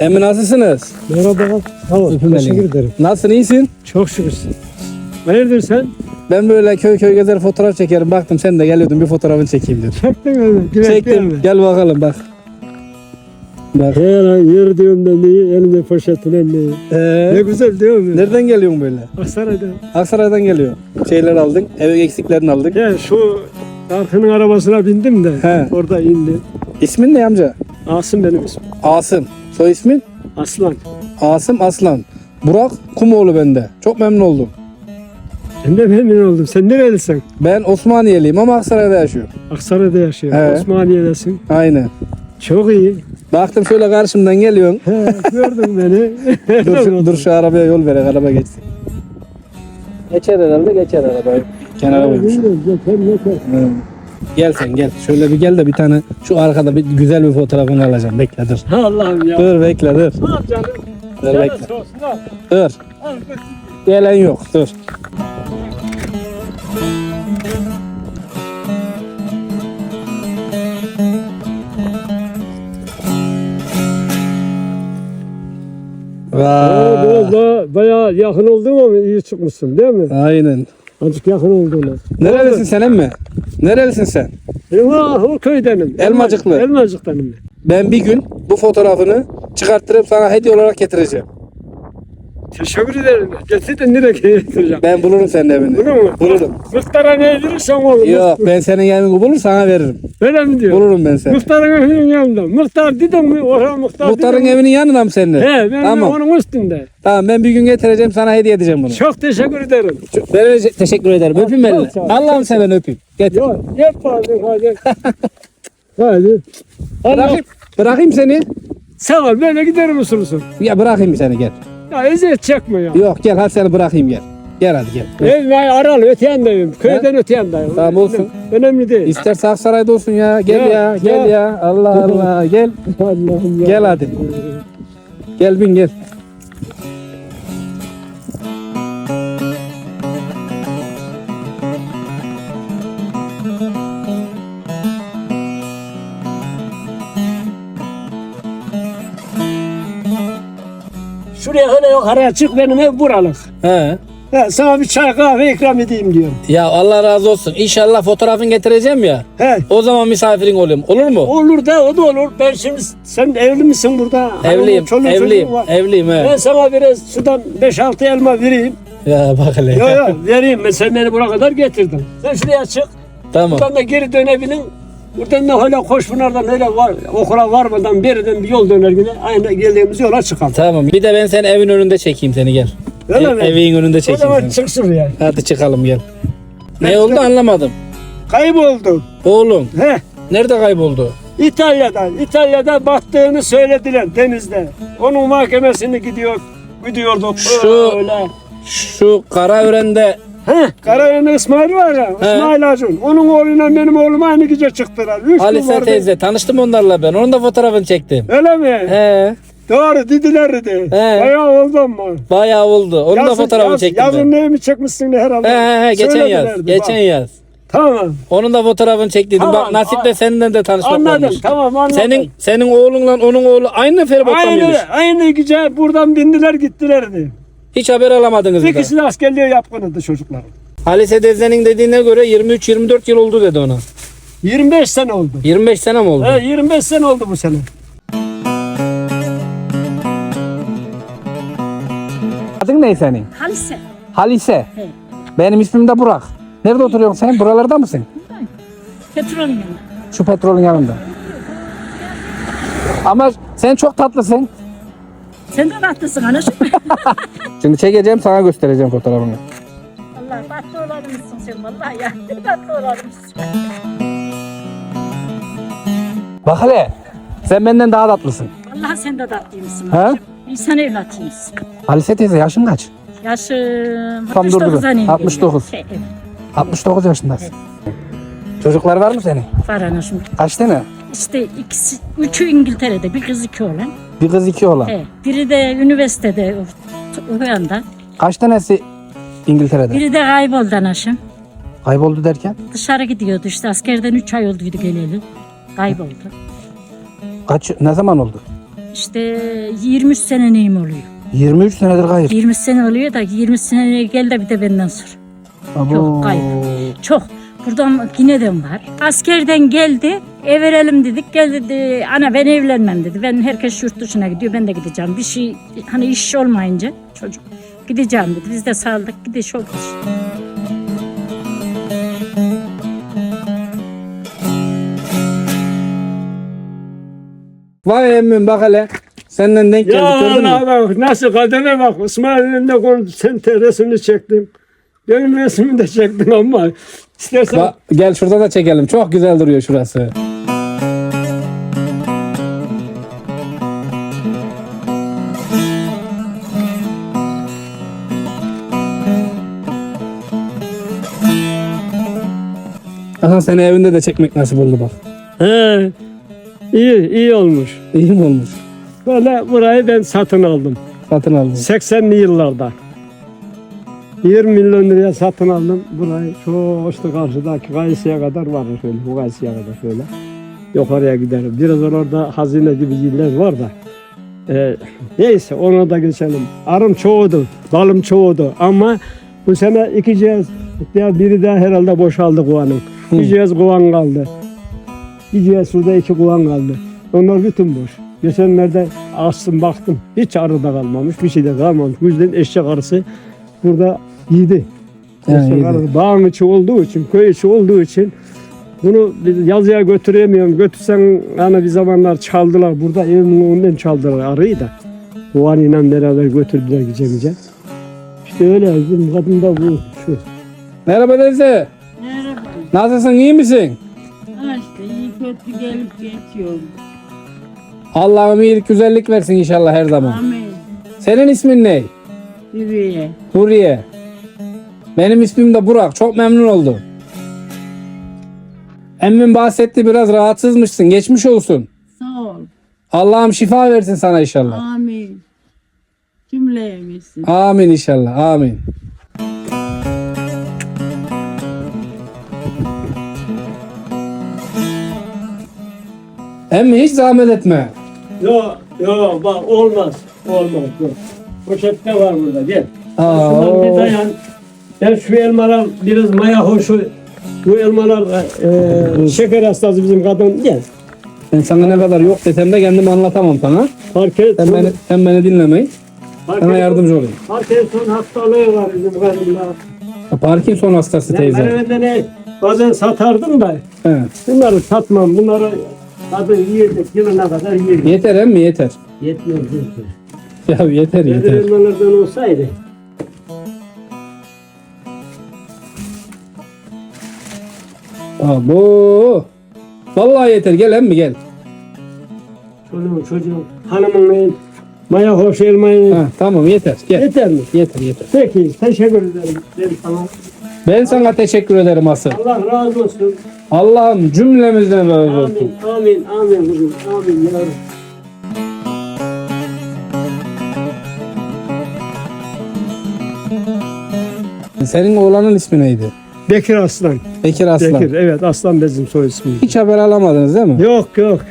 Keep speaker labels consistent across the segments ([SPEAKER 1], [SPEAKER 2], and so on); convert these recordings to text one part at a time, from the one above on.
[SPEAKER 1] Emmi nasılsınız?
[SPEAKER 2] Merhaba. Sağ ol. Teşekkür ederim.
[SPEAKER 1] Nasılsın, iyisin?
[SPEAKER 2] Çok şükür. Hayırdır sen?
[SPEAKER 1] Ben böyle köy köy gezer fotoğraf çekerim. Baktım sen de geliyordun, bir fotoğrafını çekeyim dedim.
[SPEAKER 2] Çektin mi?
[SPEAKER 1] Çektim. Gel bakalım bak. Bak.
[SPEAKER 2] Yer diyorum ben de elimde poşetine mi? Ne güzel diyor mu?
[SPEAKER 1] Nereden geliyorsun böyle?
[SPEAKER 2] Aksaray'da.
[SPEAKER 1] Aksaray'dan geliyor. Şeyler aldın, ev eksiklerini aldık.
[SPEAKER 2] Ya şu Darkı'nın arabasına bindim de
[SPEAKER 1] He.
[SPEAKER 2] orada indi.
[SPEAKER 1] İsmin ne amca?
[SPEAKER 2] Asım benim ismim.
[SPEAKER 1] Asım. Soy ismin?
[SPEAKER 2] Aslan.
[SPEAKER 1] Asım Aslan. Burak Kumoğlu bende. Çok memnun oldum.
[SPEAKER 2] Ben de memnun oldum. Sen nerelisin?
[SPEAKER 1] Ben Osmaniyeliyim ama Aksaray'da yaşıyorum.
[SPEAKER 2] Aksaray'da yaşıyorum.
[SPEAKER 1] He.
[SPEAKER 2] Osmaniye'desin.
[SPEAKER 1] Aynen.
[SPEAKER 2] Çok iyi.
[SPEAKER 1] Baktım şöyle karşımdan geliyorsun.
[SPEAKER 2] He, gördün beni.
[SPEAKER 1] dur şu arabaya yol verek, araba geçsin. Geçer herhalde, geçer arabayı. Kenara koymuş. Gel sen gel. Şöyle bir gel de bir tane şu arkada bir güzel bir fotoğrafını alacağım. Bekle dur.
[SPEAKER 2] Allah'ım ya.
[SPEAKER 1] Dur bekle dur.
[SPEAKER 2] Ne yapacaksın?
[SPEAKER 1] Dur bekle.
[SPEAKER 2] Olsun, al.
[SPEAKER 1] Dur.
[SPEAKER 2] Al, götür.
[SPEAKER 1] Gelen yok. Dur.
[SPEAKER 2] Biraz daha bayağı yakın oldun ama iyi çıkmışsın değil mi?
[SPEAKER 1] Aynen.
[SPEAKER 2] Azıcık yakın olduğunu.
[SPEAKER 1] Nerelisin sen emmi? Nerelisin sen?
[SPEAKER 2] O köydenim.
[SPEAKER 1] Elmacıklı.
[SPEAKER 2] Elmacık'tanım.
[SPEAKER 1] Ben bir gün bu fotoğrafını çıkarttırıp sana hediye olarak getireceğim.
[SPEAKER 2] Teşekkür ederim. Getir de nereye getireceğim?
[SPEAKER 1] Ben bulurum senin evini.
[SPEAKER 2] Bunu mu?
[SPEAKER 1] Bulurum.
[SPEAKER 2] Muhtara ne verirsen olur.
[SPEAKER 1] Yok, ben senin evini bulur sana veririm.
[SPEAKER 2] Öyle mi diyor?
[SPEAKER 1] Bulurum ben seni.
[SPEAKER 2] Muhtarın evinin yanında. Muhtar dedim mi? Oraya muhtar
[SPEAKER 1] Muhtarın
[SPEAKER 2] dedim mi?
[SPEAKER 1] evinin yanında mı senin?
[SPEAKER 2] He, ben
[SPEAKER 1] Tamam.
[SPEAKER 2] onun üstünde.
[SPEAKER 1] Tamam, ben bir gün getireceğim sana hediye edeceğim bunu.
[SPEAKER 2] Çok teşekkür ederim.
[SPEAKER 1] Ben öyle teşekkür ederim. Öpeyim elini.
[SPEAKER 2] sağ ol.
[SPEAKER 1] Allah'ım seven öpeyim. Getir.
[SPEAKER 2] Yok, yapma hadi. Hadi. Allah.
[SPEAKER 1] Bırakayım seni.
[SPEAKER 2] Sağ ol, böyle giderim usulüsün.
[SPEAKER 1] Ya bırakayım seni gel.
[SPEAKER 2] Ya eziyet çekme ya.
[SPEAKER 1] Yok gel, hadi seni bırakayım gel. Gel hadi gel.
[SPEAKER 2] Ev aralı öte yandayım. Köyden öte yandayım.
[SPEAKER 1] Tamam, olsun.
[SPEAKER 2] Önemli değil.
[SPEAKER 1] İsterse Aksaray'da olsun ya. Gel ya, gel ya. Allah Allah gel.
[SPEAKER 2] Allah'ım ya.
[SPEAKER 1] Gel hadi. Gel bin gel.
[SPEAKER 2] Şuraya öyle yok araya çık benim ev buralık.
[SPEAKER 1] He.
[SPEAKER 2] He, sana bir çay kahve ikram edeyim diyorum.
[SPEAKER 1] Ya Allah razı olsun. İnşallah fotoğrafını getireceğim ya.
[SPEAKER 2] He.
[SPEAKER 1] O zaman misafirin olayım. Olur mu?
[SPEAKER 2] Olur da o da olur. Ben şimdi sen evli misin burada?
[SPEAKER 1] Evliyim.
[SPEAKER 2] Çoluğun
[SPEAKER 1] Evliyim.
[SPEAKER 2] çocuğun var.
[SPEAKER 1] Evliyim he.
[SPEAKER 2] Ben sana biraz şuradan 5-6 elma vereyim.
[SPEAKER 1] Ya bak hele.
[SPEAKER 2] Yok vereyim. Ben sen beni buraya kadar getirdin. Sen şuraya çık.
[SPEAKER 1] Tamam.
[SPEAKER 2] Buradan da geri dönebilin. Buradan da öyle Koçpınar'dan öyle var, okula varmadan beriden bir yol döner yine aynı geldiğimiz yola çıkalım.
[SPEAKER 1] Tamam. Bir de ben seni evin önünde çekeyim seni gel.
[SPEAKER 2] Öyle mi?
[SPEAKER 1] Evin önünde
[SPEAKER 2] O
[SPEAKER 1] çekeyim
[SPEAKER 2] zaman
[SPEAKER 1] seni.
[SPEAKER 2] çık şuraya.
[SPEAKER 1] Hadi çıkalım gel. Ne oldu anlamadım.
[SPEAKER 2] Kayboldu.
[SPEAKER 1] Oğlum
[SPEAKER 2] He.
[SPEAKER 1] nerede kayboldu?
[SPEAKER 2] İtalya'da battığını söylediler denizde. Onun mahkemesini gidiyorduk
[SPEAKER 1] Şu-
[SPEAKER 2] öyle.
[SPEAKER 1] Şu Karaören'de
[SPEAKER 2] Karayel'in İsmail var ya, İsmail Acun. Onun oğluyla benim oğlum aynı gece çıktılar. Üç gün
[SPEAKER 1] Halise
[SPEAKER 2] vardı.
[SPEAKER 1] teyze tanıştım onlarla ben. Onun da fotoğrafını çektim.
[SPEAKER 2] Öyle mi?
[SPEAKER 1] He.
[SPEAKER 2] Doğru dediler dedi.
[SPEAKER 1] He.
[SPEAKER 2] Bayağı oldu ama.
[SPEAKER 1] Bayağı oldu. Onun da fotoğrafını çektim
[SPEAKER 2] Yazın
[SPEAKER 1] ben.
[SPEAKER 2] neyi mi çekmişsin de herhalde?
[SPEAKER 1] He geçen
[SPEAKER 2] Söylediler
[SPEAKER 1] yaz.
[SPEAKER 2] dedi,
[SPEAKER 1] Geçen
[SPEAKER 2] bak.
[SPEAKER 1] yaz.
[SPEAKER 2] Tamam.
[SPEAKER 1] Onun da fotoğrafını çektiydim.
[SPEAKER 2] Tamam,
[SPEAKER 1] Bak nasip'le seninle de tanışmak
[SPEAKER 2] Anladım.
[SPEAKER 1] olmuş.
[SPEAKER 2] Tamam anladım.
[SPEAKER 1] Senin oğlunla onun oğlu aynı feribottan mıymış?
[SPEAKER 2] Aynı gece buradan bindiler gittilerdi.
[SPEAKER 1] Hiç haber alamadınız mı?
[SPEAKER 2] İkisi de askerliğe yapkınıydı çocuklar.
[SPEAKER 1] Halise teyzenin dediğine göre 23-24 yıl oldu dedi ona.
[SPEAKER 2] 25 sene oldu.
[SPEAKER 1] 25 sene mi oldu?
[SPEAKER 2] He, 25 sene oldu bu sene.
[SPEAKER 1] Adın ne senin?
[SPEAKER 3] Halise.
[SPEAKER 1] Halise.
[SPEAKER 3] He.
[SPEAKER 1] Benim ismim de Burak. Nerede oturuyorsun sen? Buralarda mısın?
[SPEAKER 3] Petrolün yanında.
[SPEAKER 1] Şu petrolün yanında. Ama sen çok tatlısın.
[SPEAKER 3] Sen de tatlısın anacığım.
[SPEAKER 1] Şimdi çekeceğim, sana göstereceğim fotoğrafını.
[SPEAKER 3] Allah tatlı olanmışsın sen vallahi ya. Tatlı olanmışsın.
[SPEAKER 1] Bak hele. Sen benden daha tatlısın.
[SPEAKER 3] Vallahi sen de tatlıymışsın
[SPEAKER 1] He?
[SPEAKER 3] anacığım. İnsan evlatıymışsın.
[SPEAKER 1] Halise teyze yaşın kaç?
[SPEAKER 3] Yaşım
[SPEAKER 1] Tam dur, dur.
[SPEAKER 3] 69'a iniyor.
[SPEAKER 1] 69.
[SPEAKER 3] Evet,
[SPEAKER 1] 69 yaşındasın. Çocuklar var mı senin?
[SPEAKER 3] var anacığım.
[SPEAKER 1] Kaç tane?
[SPEAKER 3] İşte üçü İngiltere'de, bir kız iki oğlan.
[SPEAKER 1] Bir kız iki oğlan.
[SPEAKER 3] Evet. Biri de üniversitede o yanda.
[SPEAKER 1] Kaç tanesi İngiltere'de?
[SPEAKER 3] Biri de kayboldu anacığım.
[SPEAKER 1] Kayboldu derken?
[SPEAKER 3] Dışarı gidiyordu işte askerden 3 ay olduydu geleli. Kayboldu.
[SPEAKER 1] Ne zaman oldu?
[SPEAKER 3] işte 23 sene neyim oluyor.
[SPEAKER 1] 23 senedir kayıp.
[SPEAKER 3] 20 sene oluyor da 20 sene gel de bir de benden sor. Çok kayıp. Çok. Buradan yine de var. Askerden geldi. Ev verelim dedik. Gel dedi. Ana ben evlenmem dedi. Ben herkes yurt dışına gidiyor. Ben de gideceğim. Bir şey hani iş olmayınca çocuk gideceğim dedi. Biz de saldık. Gidiş olmuş.
[SPEAKER 1] Vay emmim bak hele. Senden denk
[SPEAKER 2] Ya
[SPEAKER 1] geldik gördün mü?
[SPEAKER 2] Allah bak nasıl kadene bak. İsmail'in de konu sen resmini çektim. Benim resmimi de çektin ama istersen
[SPEAKER 1] Bak, gel şurada da çekelim. Çok güzel duruyor şurası. Aha seni evinde de çekmek nasip oldu bak.
[SPEAKER 2] he, iyi olmuş.
[SPEAKER 1] İyi mi olmuş?
[SPEAKER 2] Böyle burayı ben satın aldım.
[SPEAKER 1] Satın aldım.
[SPEAKER 2] 80'li yıllarda. 20 milyon liraya satın aldım. Burayı şu işte karşıdaki Kayısı'ya kadar var şöyle. Bu Kayısı'ya kadar şöyle. Yukarıya giderim. Biraz orada hazine gibi yerler var da. Neyse ona da geçelim. Arım çoğudu, balım çoğudu ama bu sene 2 cihaz, ya biri de herhalde boşaldı kovanın. Bir cihaz kovan kaldı. Bir cihaz suda 2 kovan kaldı. Onlar bütün boş. Geçenlerde açtım baktım. Hiç arı da kalmamış, bir şey de kalmamış. Bu yüzden eşek arısı burada yedi.
[SPEAKER 1] Yani
[SPEAKER 2] Eşek
[SPEAKER 1] yedi.
[SPEAKER 2] arısı dağın içi olduğu için, köy içi olduğu için bunu biz yazıya götüremiyorum. Götürsen hani bir zamanlar çaldılar. Burada evimin önünden çaldılar arıyı da. Kovanıyla beraber götürdüler gece. İşte öyle bizim kadın da bu. Şu.
[SPEAKER 1] Merhaba teyze.
[SPEAKER 4] Merhaba.
[SPEAKER 1] Nasılsın iyi misin?
[SPEAKER 4] Ha işte iyi kötü gelip geçiyorum.
[SPEAKER 1] Allah'ım iyilik güzellik versin inşallah her zaman.
[SPEAKER 4] Amin.
[SPEAKER 1] Senin ismin ne?
[SPEAKER 4] Yürüye.
[SPEAKER 1] Huriye. Benim ismim de Burak. Çok memnun oldum. Emmim bahsetti biraz rahatsızmışsın. Geçmiş olsun.
[SPEAKER 4] Sağ ol.
[SPEAKER 1] Allah'ım şifa versin sana inşallah.
[SPEAKER 4] Amin. Cümleyemizsin.
[SPEAKER 1] Amin inşallah. Amin. Emmi hiç zahmet etme.
[SPEAKER 2] Yok bak olmaz. Yok. Poşette var burada gel.
[SPEAKER 1] Aa,
[SPEAKER 2] Şundan bir dayan. Ben şu elmalar biraz maya hoşu. Bu elmalar şeker hastası bizim kadın gel.
[SPEAKER 1] ben sana ne kadar yok desem de kendimi anlatamam sana. Sen beni dinlemeyin. Sana yardımcı olayım.
[SPEAKER 2] Parkinson hastalığı var bizim kadında.
[SPEAKER 1] Parkinson hastası
[SPEAKER 2] Ben
[SPEAKER 1] teyze.
[SPEAKER 2] evde bazen satardım da
[SPEAKER 1] He.
[SPEAKER 2] bunları satmam. Bunları tadı yiyecek yılına kadar yiyecek.
[SPEAKER 1] Yeter emmi yeter.
[SPEAKER 2] Yetmiyor.
[SPEAKER 1] Ya yeter yeter.
[SPEAKER 2] Elmalardan olsaydı.
[SPEAKER 1] Abo. Vallahi yeter gel emmi gel.
[SPEAKER 2] Çocuğum hanımın maya hoş elmayı
[SPEAKER 1] Ha, tamam yeter gel.
[SPEAKER 2] yeter mi?
[SPEAKER 1] Yeter yeter.
[SPEAKER 2] Peki teşekkür ederim. Ben sana.
[SPEAKER 1] Ben sana teşekkür ederim asıl.
[SPEAKER 2] Allah razı olsun.
[SPEAKER 1] Allah'ım cümlemizden razı olsun.
[SPEAKER 2] Amin kızım. Amin yavrum.
[SPEAKER 1] Senin oğlanın ismi neydi?
[SPEAKER 2] Bekir Aslan.
[SPEAKER 1] Bekir Aslan.
[SPEAKER 2] Bekir evet Aslan bizim soy ismimiz.
[SPEAKER 1] Hiç haber alamadınız değil mi?
[SPEAKER 2] Yok.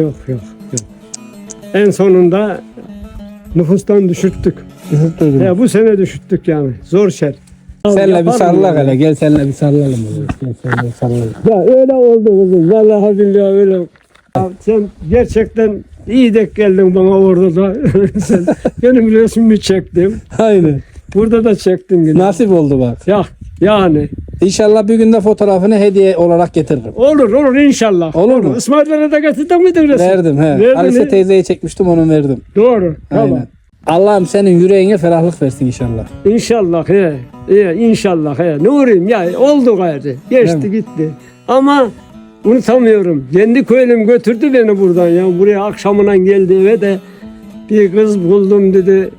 [SPEAKER 2] En sonunda nüfustan düşürttük.
[SPEAKER 1] Üzüldüm.
[SPEAKER 2] Ya bu sene düşürttük yani. Zor şer.
[SPEAKER 1] Senle bir
[SPEAKER 2] Yaparım
[SPEAKER 1] sarılak
[SPEAKER 2] yani.
[SPEAKER 1] hele. Gel senle bir sarılalım. Gel senle bir sarılalım.
[SPEAKER 2] Ya öyle oldu kızım. Vallahi billahi öyle. Ya sen gerçekten iyi denk geldin bana orada da. Sen benim resmimi çektim.
[SPEAKER 1] Aynen.
[SPEAKER 2] Burada da çektim yine.
[SPEAKER 1] Nasip oldu bak.
[SPEAKER 2] Ya yani.
[SPEAKER 1] İnşallah bir günde fotoğrafını hediye olarak getiririm.
[SPEAKER 2] Olur inşallah.
[SPEAKER 1] Olur mu?
[SPEAKER 2] İsmail'lere de getirdin miydin resim?
[SPEAKER 1] Verdim he.
[SPEAKER 2] Verdin
[SPEAKER 1] Alice
[SPEAKER 2] mi?
[SPEAKER 1] teyzeye çekmiştim onu verdim.
[SPEAKER 2] Doğru. Tamam.
[SPEAKER 1] Aynen. Allah'ım senin yüreğine ferahlık versin inşallah.
[SPEAKER 2] İnşallah inşallah ne uğrayayım ya oldu gayrı. Geçti
[SPEAKER 1] Değil
[SPEAKER 2] gitti. Ama unutamıyorum. Kendi köylüm götürdü beni buradan ya. Buraya akşamına geldi eve de bir kız buldum dedi.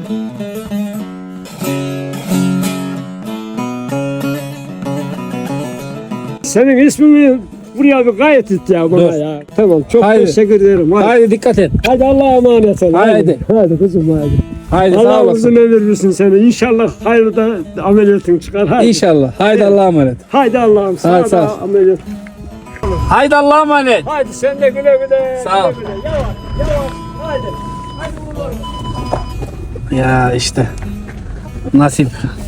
[SPEAKER 2] Senin ismini buraya bir gayet et ya bana
[SPEAKER 1] Dur.
[SPEAKER 2] ya. Tamam çok
[SPEAKER 1] Haydi.
[SPEAKER 2] teşekkür ederim. Hadi,
[SPEAKER 1] Haydi dikkat et.
[SPEAKER 2] hadi Allah'a emanet ol.
[SPEAKER 1] Haydi.
[SPEAKER 2] Hadi kızım hadi.
[SPEAKER 1] Haydi sağ
[SPEAKER 2] Allah
[SPEAKER 1] olasın.
[SPEAKER 2] uzun ömür versin seni. İnşallah hayırda ameliyatın çıkar. Haydi.
[SPEAKER 1] İnşallah. Haydi
[SPEAKER 2] Evet.
[SPEAKER 1] Allah'a emanet.
[SPEAKER 2] Haydi Allah'ım
[SPEAKER 1] Hadi,
[SPEAKER 2] sana
[SPEAKER 1] sağ ol.
[SPEAKER 2] da ameliyat.
[SPEAKER 1] Haydi Allah'a emanet.
[SPEAKER 2] Haydi sen de güle güle.
[SPEAKER 1] Sağ ol.
[SPEAKER 2] Güle güle. Yavaş yavaş. Haydi.
[SPEAKER 1] Ya işte nasip.